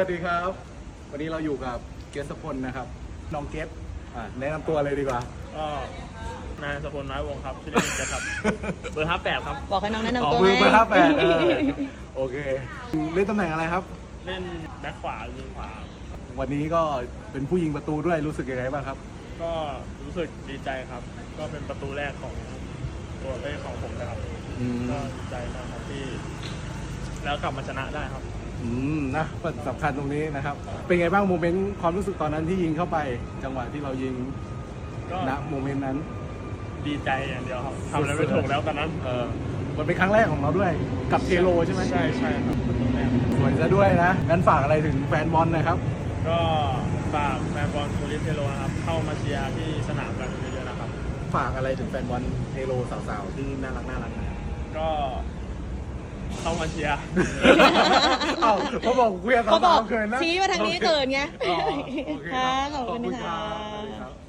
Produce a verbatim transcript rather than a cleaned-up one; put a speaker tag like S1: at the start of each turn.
S1: วัสดีครับวันนี้เราอยู่กับเกสพลนะครับน้องเกสอ่าแนะนำตัวเลยดีกว่า
S2: ก็นายสกลน้อยวงครับชื่อเล่นเจครับ เบอร์ห้าแปดครับ
S3: บอกให้น้องแนะ
S1: อ๋อน
S3: ำตัว
S1: มือ
S3: ไง
S1: เบอร์ห้าแปดโอเคเล่นตำแหน่งอะไรครับ
S2: เล่นแบ็คขวายิงขวา
S1: วันนี้ก็เป็นผู้ยิงประตูด้วยรู้สึกยังไงบ้างครับ
S2: ก็รู้สึกดีใจครับ ก็เป็นประตูแรกของตัวเล่นของผมนะครับ
S1: อืม
S2: ก็ดีใจมากครับที่ แล้วกลับมาชนะได้ครับ
S1: อืมนะสำคัญตรงนี้นะครับ เป็นไงบ้างโมเมนต์ความรู้สึกตอนนั้นที่ยิงเข้าไป จังหวะที่เรายิง
S2: ก็
S1: ณโมเมนต์นั้น
S2: ดีใจอย่างเดียวครับทำอะไรไม่ถูกแล้วตอนนั้น
S1: เออมันเป็นครั้งแรกของเราด้วยกับเทโลใช่ไหม
S2: ใช่ใช่ครับประตูแรก
S1: สวยซะด้วยนะงั้นฝากอะไรถึงแฟนบอลนะครับ
S2: ก็ฝากแฟนบอลโคลิสเทโลนะครับ เข้ามาเชียร์ที่สนามกันเยอะๆนะครับ
S1: ฝากอะไรถึงแฟนบอลเทโลสาวๆที่น่ารักน่ารักนะ
S2: ก็เข้ามาเชียร์
S1: เอ้าเขาบอกคุยกับ
S3: เขาบอ
S1: สาก วๆเกินนะ
S3: ชี้มาทางนี้เกินไง
S1: อ๋อโอเค
S3: ค่ะ
S1: รับ
S3: ขอบคุณ
S1: รั
S3: ค่ะ
S1: สวัสดีครับ